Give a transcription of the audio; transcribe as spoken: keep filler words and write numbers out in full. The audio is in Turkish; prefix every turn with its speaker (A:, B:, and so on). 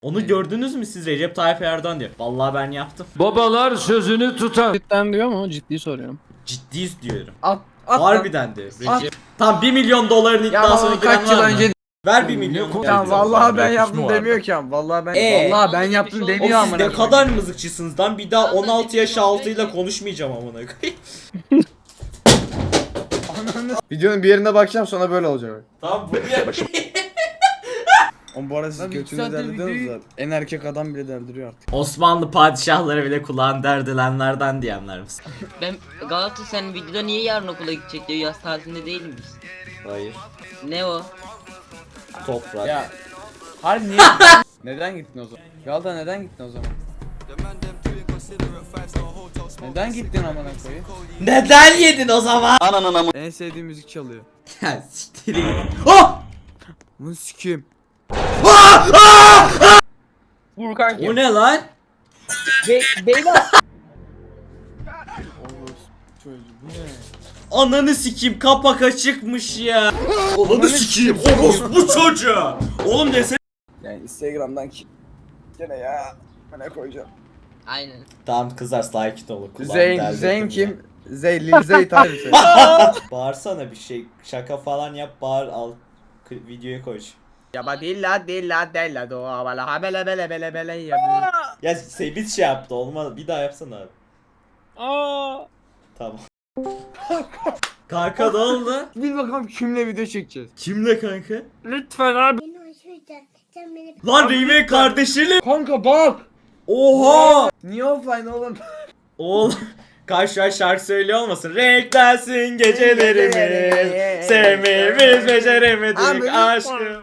A: Onu gördünüz mü siz? Recep Tayyip Erdoğan diyor. Vallahi ben yaptım.
B: Babalar sözünü tutar.
C: Cidden diyor mu? Ciddi soruyorum.
A: Ciddiyiz diyorum.
D: At, at
A: Harbiden de.
D: At.
A: Recep. Tam bir milyon doların
D: Ya
A: iddiasına
D: baba, kaç
A: giren
D: yıl
A: var mı?
D: önce
A: Ver bir milyon.
B: konu-
D: Tamam vallahi ben
B: Yakışma
D: yaptım
B: vardı.
D: demiyor ki ama vallahi ben
A: Ee?
D: vallahi ben yaptım
A: Oğlum
D: demiyor
A: siz
D: amına
A: ne
D: koyayım.
A: kadar mızıkçısınız lan, bir daha on altı yaş altıyla konuşmayacağım amına koyayım.
E: Videonun bir yerine bakacağım sonra böyle olacak.
A: Tamam bu diye.
E: Oğlum bu arada siz
D: Lan iki
E: götünü
D: saattir
E: derdiriyorsunuz
D: videoyu-
E: da en erkek adam bile derdiriyor artık.
A: Osmanlı padişahları bile kulağın derdilenlerden diyenler misin?
F: Ben Galatasaray videoda niye yarın okula gidecek diyor, yaz tatilinde değil miyiz?
A: Hayır.
F: Ne o?
A: Toprak.
E: Ya harbi niye? Neden gittin o zaman? Galata neden gittin o zaman? Neden gittin amına koyayım?
A: Neden yedin o zaman?
D: En sevdiğim müzik çalıyor.
A: Ya siktir git. Oh!
D: Bunu sikeyim.
C: Vur kanki.
A: O ne lan?
C: Be beyler.
A: Ananı sikeyim, kapak açıkmış ya. Ananı sikeyim orospu çocuğu. Oğlum desene.
E: Yani Instagram'dan ki gene ya ne koyacağım?
F: Aynen.
A: Tamam kızlar sakin olun. kulağımı
E: Zeyn,
A: deldirdim
E: Zeyn
A: ya.
E: kim? Zey, Lil Zey tabii sen.
A: Bağırsana bir şey, şaka falan yap, bağır, al k- videoya koy.
D: Ya ba dilla dilla dilla do bala habele bele bele bele ya.
A: Ya Sebit şey yaptı, olmadı, bir daha yapsana abi.
C: Aa.
A: Tamam. Kanka ne oldu?
D: Bil bakalım kimle video çekeceğiz.
A: Kimle kanka?
D: Lütfen abi.
G: Beni hoş yüzden sen beni
A: Lan Reyme kardeşiyle.
D: Kanka bak.
A: Oha!
D: Niye offline oğlum?
A: Oğlum kaç şu an şarkı söylüyor olmasın? Renklensin gecelerimiz, sevmeyi biz beceremedik
D: Abi,
A: aşkım.